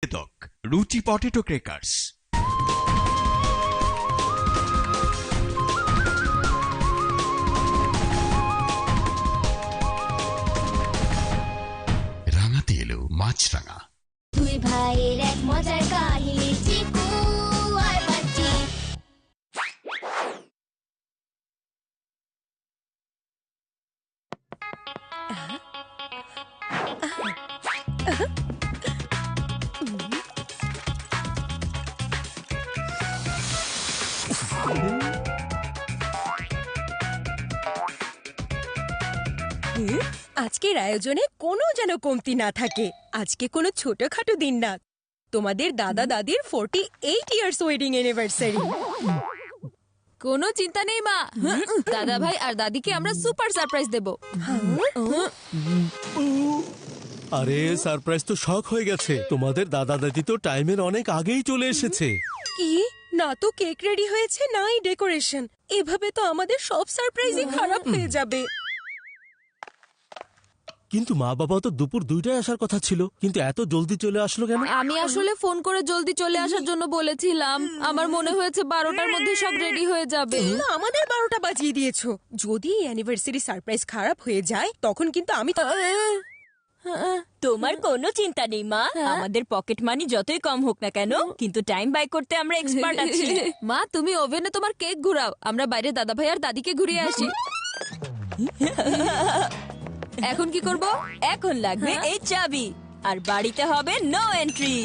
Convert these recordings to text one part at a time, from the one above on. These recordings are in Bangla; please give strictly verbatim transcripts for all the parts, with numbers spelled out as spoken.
রুচি পটেটো ক্রেকার্স। রাঙাতে এলো মাছরাঙা। দুই ভাইয়ের এক মজার কাহিনী, চিকু আর বাচ্চি। আজকের আয়োজনে কোনো যেন কমতি না থাকে। আজকে কোনো ছোটখাটো দিন না, তোমাদের দাদা দাদির forty eight years wedding anniversary. কোনো চিন্তা নেই মা, দাদা ভাই আর দাদিকে আমরা সুপার সারপ্রাইজ দেব। আরে সারপ্রাইজ তো শক হয়ে গেছে। তোমাদের দাদা দাদি তো টাইমের অনেক আগেই চলে এসেছে। কি না তো কেক রেডি হয়েছে, নাই ডেকোরেশন। এভাবে তো আমাদের সব সারপ্রাইজই খারাপ হয়ে যাবে। কিন্তু মা বাবা তো দুপুর দুইটায় আসার কথা ছিল, কিন্তু এত জলদি চলে আসলো কেন? আমি আসলে ফোন করে জলদি চলে আসার জন্য বলেছিলাম। আমার মনে হয়েছে বারোটার মধ্যে সব রেডি হয়ে যাবে। না, আমাদের বারোটা বাজিয়ে দিয়েছো। যদি অ্যানিভার্সারি সারপ্রাইজ খারাপ হয়ে যায় তখন কিন্তু আমি। তোমার কোনো চিন্তা নেই মা, আমাদের পকেট মানি যতই কম হোক না কেন, কিন্তু টাইম বাই করতে আমরা এক্সপার্ট আছি। মা তুমি ওভেনে তোমার কেক ঘুরাও, আমরা বাইরে দাদা ভাই আর দাদিকে ঘুরিয়ে আসি। এখন কি করব? এখন লাগবে এই চাবি, আর বাড়িতে হবে no entry.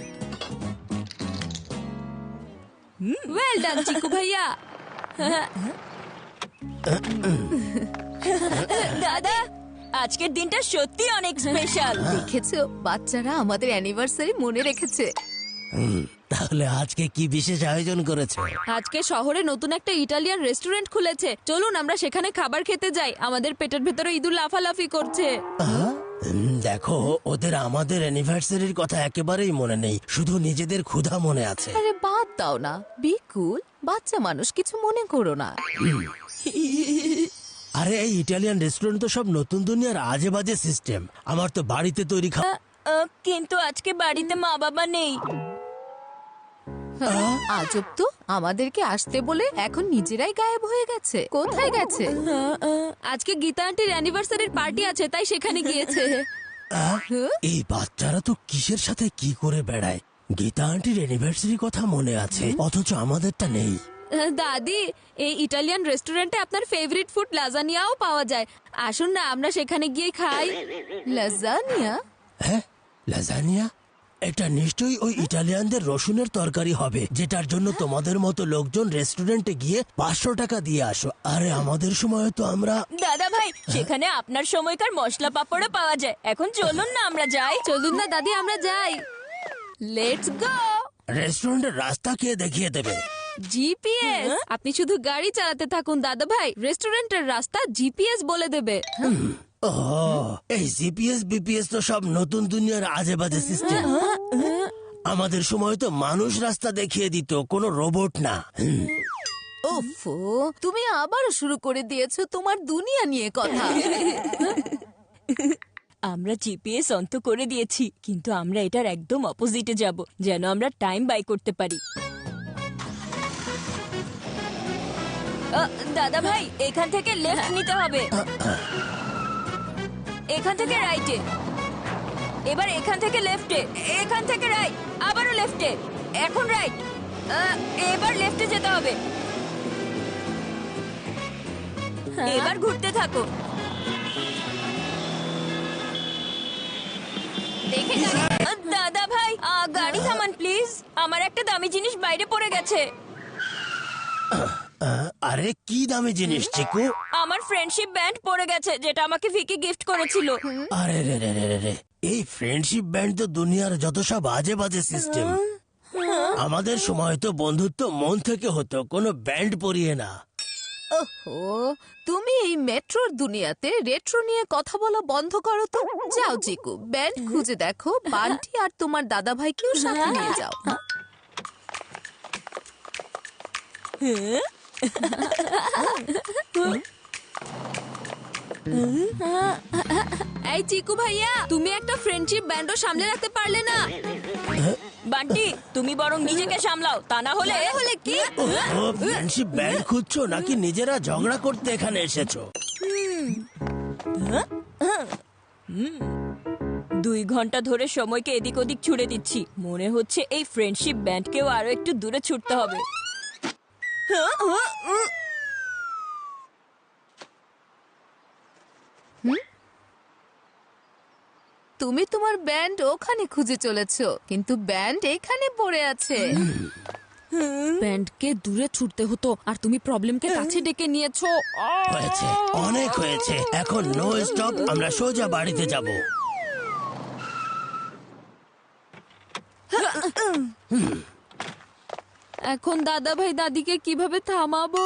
Well done Chiku ভাইয়া। দাদা, আজকের দিনটা সত্যি অনেক স্পেশাল। দেখেছো, বাচ্চারা আমাদের অ্যানিভার্সারি মনে রেখেছে। তাহলে আজকে কি বিশেষ আয়োজন করেছে? আজকে শহরে নতুন একটা ইটালিয়ান রেস্টুরেন্ট খুলেছে, চলুন আমরা সেখানে খাবার খেতে যাই। আমাদের পেটের ভেতরে ইঁদুর লাফালাফি করছে। দেখো, ওদের আমাদের অ্যানিভার্সারির কথা একেবারেই মনে নেই, শুধু নিজেদের ক্ষুধা মনে আছে। আরে বাদ দাও না, বিকুল, বাচ্চা মানুষ, কিছু মনে করো না। আরে এই ইটালিয়ান রেস্টুরেন্ট তো সব নতুন দুনিয়ার আজে বাজে সিস্টেম। আমার তো বাড়িতে তৈরি খাবার। কিন্তু আজকে বাড়িতে মা বাবা নেই। আজব তো, আমাদেরকে আসতে বলে এখন নিজেরাই গায়েব হয়ে গেছে। কোথায় গেছে? আজকে গীতা আন্টির অ্যানিভার্সারির পার্টি আছে, তাই সেখানে গিয়েছে। এই বাচ্চারা তো কিসের সাথে কি করে বেড়ায়। গীতা আন্টির অ্যানিভার্সারি কথা মনে আছে, অথচ আমাদেরটা নেই। দাদি, এই ইটালিয়ান রেস্টুরেন্টে আপনার ফেভারিট ফুড লাজানিয়াও পাওয়া যায়। আসুন না আমরা সেখানে গিয়ে খাই। লাজানিয়া? হ্যাঁ, লাজানিয়া? এটা নিশ্চয়ই ওই ইটালিয়ানদের রসুনের তরকারি হবে, যেটার জন্য তোমাদের মতো লোকজন রেস্টুরেন্টে গিয়ে পাঁচশো টাকা দিয়ে আসো। আরে আমাদের সময় তো আমরা। দাদা ভাই, সেখানে আপনার সময়কার মশলা পাপড়ও পাওয়া যায়। এখন চলুন না আমরা যাই। চলুন না দাদি, আমরা যাই। Let's go. রেস্টুরেন্টের রাস্তা কে দেখিয়ে দেবে? জিপিএস। আপনি শুধু গাড়ি চালাতে থাকুন দাদা ভাই, রেস্টুরেন্টের রাস্তা জিপিএস বলে দেবে। ও, এই জিপিএস বিপিএস তো সব নতুন দুনিয়ার আজে বাজে সিস্টেম। আমাদের সময় তো মানুষ রাস্তা দেখিয়ে দিত, কোনো রোবট না। ওফো, তুমি আবারও শুরু করে দিয়েছো তোমার দুনিয়া নিয়ে কথা। আমরা জিপিএস অন্ত করে দিয়েছি, কিন্তু আমরা এটার একদম অপোজিটে যাব, যেন আমরা টাইম বাই করতে পারি। দাদা ভাই, এখান থেকে লেফট নিতে হবে, এখান থেকে রাইটে, এবার এখান থেকে লেফটে, এখান থেকে রাইট, আবারও লেফটে, এখন রাইট, এবার লেফটে যেতে হবে। এবার ঘুরতে থাকো। দেখে দাদা ভাই, গাড়ি থামান প্লিজ, আমার একটা দামি জিনিস বাইরে পড়ে গেছে। আরে কি দামি জিনিস চিকু? আমার ফ্রেন্ডশিপ ব্যান্ড পড়ে গেছে, যেটা আমাকে ভিকি গিফট করেছিল। আরে রে রে রে রে, এই ফ্রেন্ডশিপ ব্যান্ড তো দুনিয়ার যত সব আজে বাজে সিস্টেম। আমাদের সময় তো বন্ধুত্ব মন থেকে হতো, কোনো ব্যান্ড পরিয়ে না। ওহো, তুমি এই মেট্রোর দুনিয়াতে রেট্রো নিয়ে কথা বলা বন্ধ করো তো। যাও চিকু, ব্যান্ড খুঁজে দেখো, বান্টি আর তোমার দাদা ভাইকেও সাথে নিয়ে যাও। এই চিকু ভাইয়া, তুমি একটা ফ্রেন্ডশিপ ব্যান্ডও সামলে রাখতে পারলে না। বান্টি তুমি বরং নিজেকে সামলাও, তা না হলে হলে কি? ও ফ্রেন্ডশিপ ব্যান্ড খুঁজছো নাকি নিজেরা ঝগড়া করতে এখানে এসেছো? দুই ঘন্টা ধরে সময়কে এদিক ওদিক ছুড়ে দিচ্ছি, মনে হচ্ছে এই ফ্রেন্ডশিপ ব্যান্ডকেও আরো একটু দূরে ছুটতে হবে। তুমি তোমার ব্যান্ড ওখানে খুঁজে চলেছো, কিন্তু ব্যান্ড এখানে পড়ে আছে। ব্যান্ডকে দূরে ছুটতে হতো আর তুমি প্রবলেমকে কাছে ডেকে নিয়েছো। হয়েছে, অনেক হয়েছে। এখন নো স্টপ, আমরা সোজা বাড়িতে যাব। এখন দাদা ভাই দাদিকে কিভাবে থামাবো?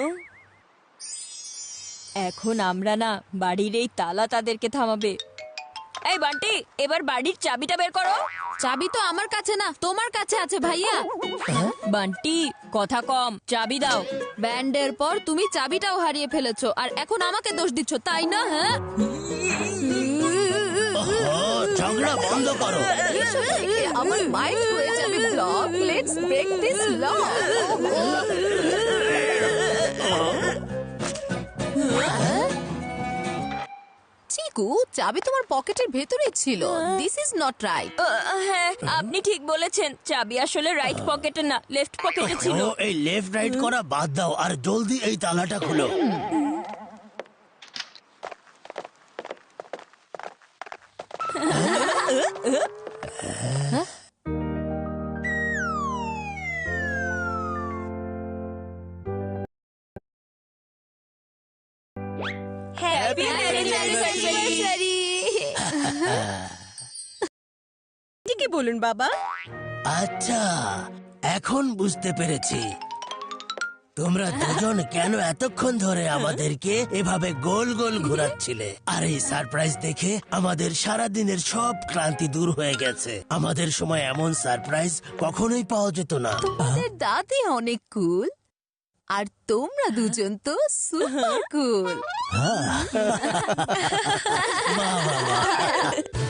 এখন আমরা না, বাড়ির এই তালা তাদেরকে থামাবে। এই বান্টি, এবার বাড়ির চাবিটা বের করো। চাবি তো আমার কাছে না, তোমার কাছে আছে ভাইয়া। বান্টি কথা কম, চাবি দাও। ব্যান্ডের পর তুমি চাবিটাও হারিয়ে ফেলেছো, আর এখন আমাকে দোষ দিচ্ছ, তাই না? হ্যাঁ, ও ঝগড়া বন্ধ করো। এসব থেকে আমার মাইন্ড হয়ে যাবে block. Let's break this lock. Chiku, চাবি তোমার পকেটের ভেতরে ছিল। This is not right. আহ, হ্যাঁ আপনি ঠিক বলেছেন, চাবি আসলে রাইট পকেটে না, লেফট পকেটে ছিল। ও এই লেফট রাইট করা বাদ দাও আর জলদি এই তালাটা খুলো। Happy anniversary. ঠিকই বলুন বাবা। আচ্ছা, এখন বুঝতে পেরেছি তোমরা দুজন কেন এতক্ষণ ধরে আমাদেরকে এভাবে গোল গোল ঘোরাচ্ছিলে। আর এই সারপ্রাইজ দেখে আমাদের সারা দিনের সব ক্লান্তি দূর হয়ে গেছে। আমাদের সময় এমন সারপ্রাইজ কখনোই পাওয়া যেত না। তোমাদের দাদি অনেক কুল, আর তোমরা দুজন তো সুপার কুল। বাহ, বাহ, বাহ।